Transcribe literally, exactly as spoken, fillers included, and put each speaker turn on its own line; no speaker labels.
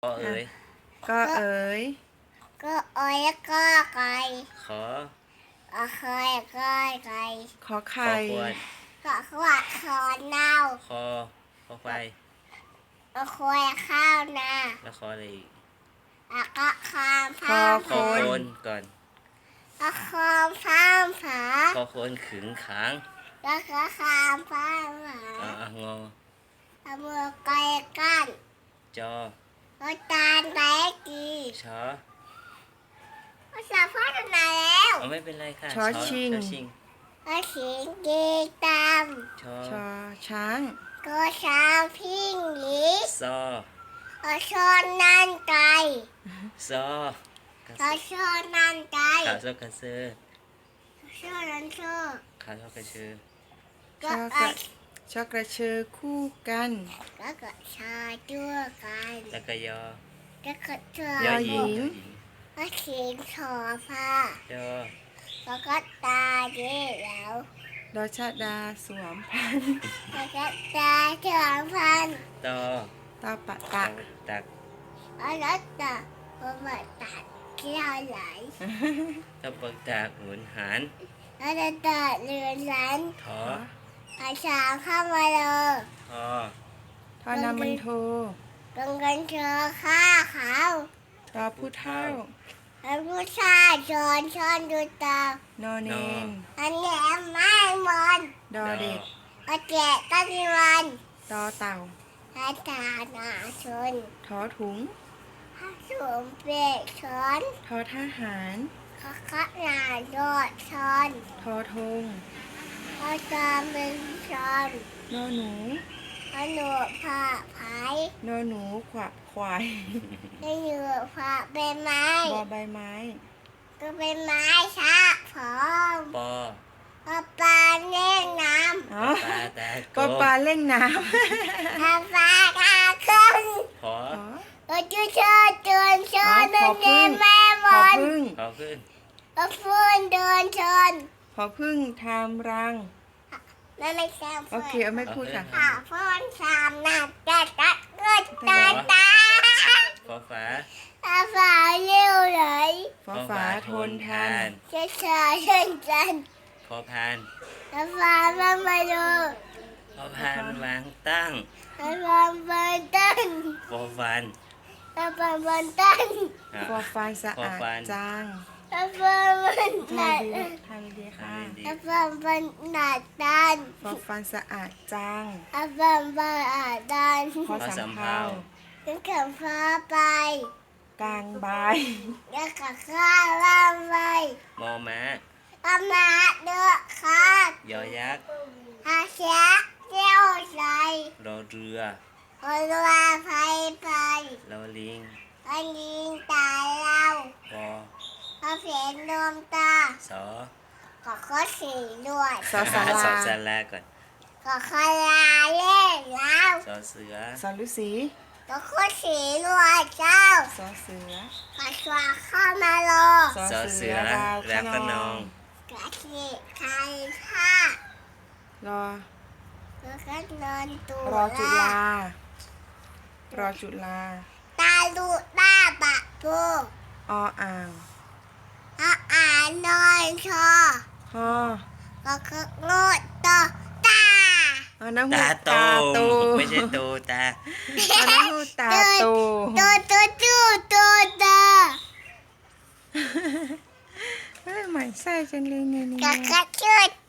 ก็เอ๋ย
ก็เอ๋ย
ก็อ้อยก็ไก่
ขอ
ก็คอยก็ไก่
ขอ
ขอ
ไข่
ควร
ก็ขวดขอเน่า
คอคอควาย
ก็คอยข้าวนา
แล้วคออะไรอีก
แล้วก็คาม
คอ
ฟ้า
คอโคนก่อน
ก็คามฟ้าผา
คอโคนขึงขาง
แล้วก็คามฟ้าผา
อ่ะงอ
เอามือไก่กัน
จอ
ก็ตาลไก่กี
ชอ
ก็สาพัฒนาแล้ว
เอาไม่เป็นไรค่ะ
ชอชิง
ชอชิง
ก็ขิงกีตาม
ชอ
ชอช้าง
ก็ช้างพิงหลี
ซอ
ก็ชอนนั่นไก่
ซอ
ก็ชอนนั่นไก่
ขาซอกระเซอ
ชอนนั่นชอ
ขาซอกระเชอ
ช
ก็
อก
ไอ
ระชอกระเชอคู่กัน
แล้วก็ชาด้วยกัน
แล้วก็ยอ
แล้วก็เธ
ยอ
อ
หญิง
ก็ขิงถอผ้าย
อ
แล้วก็ตาเย่แล้ว
ดอชดาสวมพัน
แล้วก็ตาเถื่อนพัน
ตอ
ตาปะตะ
ตัก
แล้วก็ตาพอมาตัดเกี่ยวไหล
ตะปักตากหมุนหาร
แล้วก็ตัดเรือนรัน
ทอ
อาชาเข้ามาเลย
ทอ
ทอนามันโท
ตรงกันเจอข้าเขา
ทอผู้เท่า
แล้วผู้ชายชอนชอนดูตาน
อเนน
อันนี้ไม่มอน
ดอเด็ก
ก็แจกก็มีวัน
ตอเต่า
ถ้าตาหนาชน
ทอถุง
ถ้าสวมเปรกช้อน
ทอทหาร
เขาขัดหนาโดดช้อน
ทอธง
เขาตามเป็นช้อน
นอหนู
เขาหนูผ่าไผ่
นอหนูขวะควาย
ให้หนูผ่าเป็นไม้
บอใบไม้
ก็เป็นไม้ชะพร้อม
ปอ
พอปลาเล่นน้
อ๋อ
ปลาตา
ปอปลาเล่นน้
ำพอปลาทาขึ้น
พอ
ำอ๋อ
เออจุเชิญเดินชน
อ๋อ
เดิน
พอพึ่ง
แม่บ
พอ
อล
พึ่ง
พอขึ้น
ก็ฟื้นเดินชน
พอพึ่งทำรัง
นั่นไม่ใช่
โอเคเอาไม่พูดค่ะ
ขาฟื้นสามนัดตัดตัดเกิดตาตา
ฟอฝา
ตาฝาเร็วเลย
ฟอฝาทนทาน
เช้าเช้าเช่นกัน
พอพาน
ตาฝามามาดู
พอพานวางตั้ง
ตาฝาบันตัน
ฟอฟัน
ตาฝาบันตัน
อ่ะ
ฟอฟานสะอาด
ฟอฟาน
จาง
ตาฝาบัน
ท
ตัน
ำดีทำดีค่ะ
ดี
ตาฝาบันตัน
ฟอฟานสะอาดจาง
ตาฝาบันตัน
พอสำเภา
ถึงขับฟ้าไป
กลางบาย
แล้วก็ข้าล่างไป
มอม้า
อามาเดือดขาด
ยอยักษ์
อาเสียเจ้าใจ
รอเรือ
คนลาไปไป
รอลิง
อันยิงตายเรา
ปอ
เขาเสียนวมตา
สอ
ก็ข้อสีด้วย
สอสา
สอ
รา
สาราก่อน
ก็ข้อลาเล่นแล้ว
สอเสือ
สอฤาษี
ก็ข้อสีด้วยเจ้า
สอเสือ
ก็ชวาเข้ามาโล
สอ
สอ
เสื
เสื
อ
อ
ดาว
แล้วก็นอง
กะทิใครผ้าร
อ
แล้วก็นอนตัว
รอจุฬา รอจุฬา
ตาลูตาบะปู
ออ่าง
อาอ่านนอนชอ
ฮอ
ก็คืองดตอตา
เอาน้ำหู
ตาโต
ตาโต
ไม่ใช่โตตา
เอาน้ำหูตาโต
โตโตจูโตตา
เฮ้ยหมายไส้จังเลยเนี่ย
ก็
เนี่ย
กระชุด